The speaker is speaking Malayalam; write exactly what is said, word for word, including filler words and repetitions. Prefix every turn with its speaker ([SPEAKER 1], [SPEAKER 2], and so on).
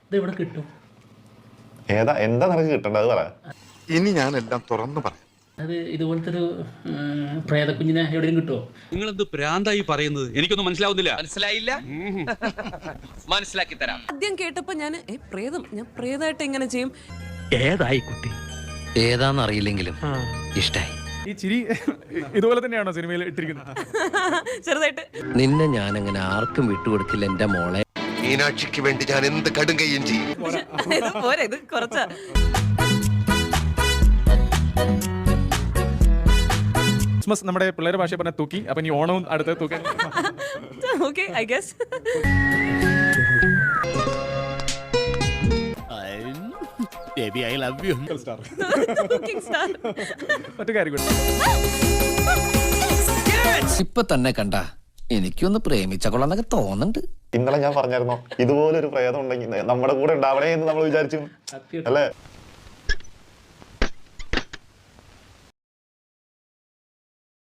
[SPEAKER 1] ഇത് ഇവിടെ കിട്ടും.
[SPEAKER 2] ഏതാ എന്താ നിനക്ക് കിട്ടേണ്ടത് പറ.
[SPEAKER 3] ഇനി ഞാനെല്ലാം തുറന്നു പറയാം.
[SPEAKER 1] അത് ഇതുപോലത്തെ ഒരു പ്രേതക്കുഞ്ഞിനെ എവിടെയും കിട്ടുമോ?
[SPEAKER 4] നിങ്ങൾ എന്ത് പ്രാന്തായി പറയുന്നത്? എനിക്കൊന്നും മനസ്സിലാവുന്നില്ല.
[SPEAKER 5] മനസ്സിലായില്ല? മനസ്സിലാക്കി തരാം.
[SPEAKER 6] ആദ്യം കേട്ടപ്പോ ഞാൻ പ്രേതം ഞാൻ പ്രേതമായിട്ട് എങ്ങനെ ചെയ്യും?
[SPEAKER 7] ഏതായി കുട്ടി?
[SPEAKER 5] ഏതാന്നറിയില്ലെങ്കിലും ഇഷ്ടായി.
[SPEAKER 8] ഈ ചിരി ഇതുപോലെ തന്നെയാണോ സിനിമയിൽ ഇട്ടിരിക്കുന്നത്?
[SPEAKER 6] ചെറുതായിട്ട്.
[SPEAKER 5] നിന്നെ ഞാൻ അങ്ങനെ ആർക്കും വിട്ടുകൊടുക്കില്ല എന്റെ മോളെ.
[SPEAKER 3] മീനാക്ഷിക്ക് വേണ്ടി ഞാൻ എന്ത് കടുങ്കയും ചെയ്യും.
[SPEAKER 6] ഇത് പോരെ, ഇത് കുറച്ചാ.
[SPEAKER 8] ക്രിസ്മസ് നമ്മുടെ പിള്ളേരുടെ ഭാഷ പറഞ്ഞ തൂക്കി, അപ്പൊ ഇനി ഓണവും അടുത്ത് തൂക്കാൻ.
[SPEAKER 6] Okay, I guess.
[SPEAKER 7] Baby, I love you.
[SPEAKER 8] മറ്റു കാര്യം കൂടി.
[SPEAKER 5] ഇപ്പൊ തന്നെ കണ്ട എനിക്കൊന്ന് പ്രേമിച്ച കൊള്ളാന്നൊക്കെ തോന്നുന്നുണ്ട്.
[SPEAKER 2] ഇന്നലെ ഞാൻ പറഞ്ഞായിരുന്നോ ഇതുപോലൊരു പ്രേതം ഉണ്ടെങ്കിൽ നമ്മുടെ കൂടെ ഉണ്ടാവണേ എന്ന് നമ്മൾ വിചാരിച്ചു
[SPEAKER 1] സത്യം.
[SPEAKER 2] അല്ലേ?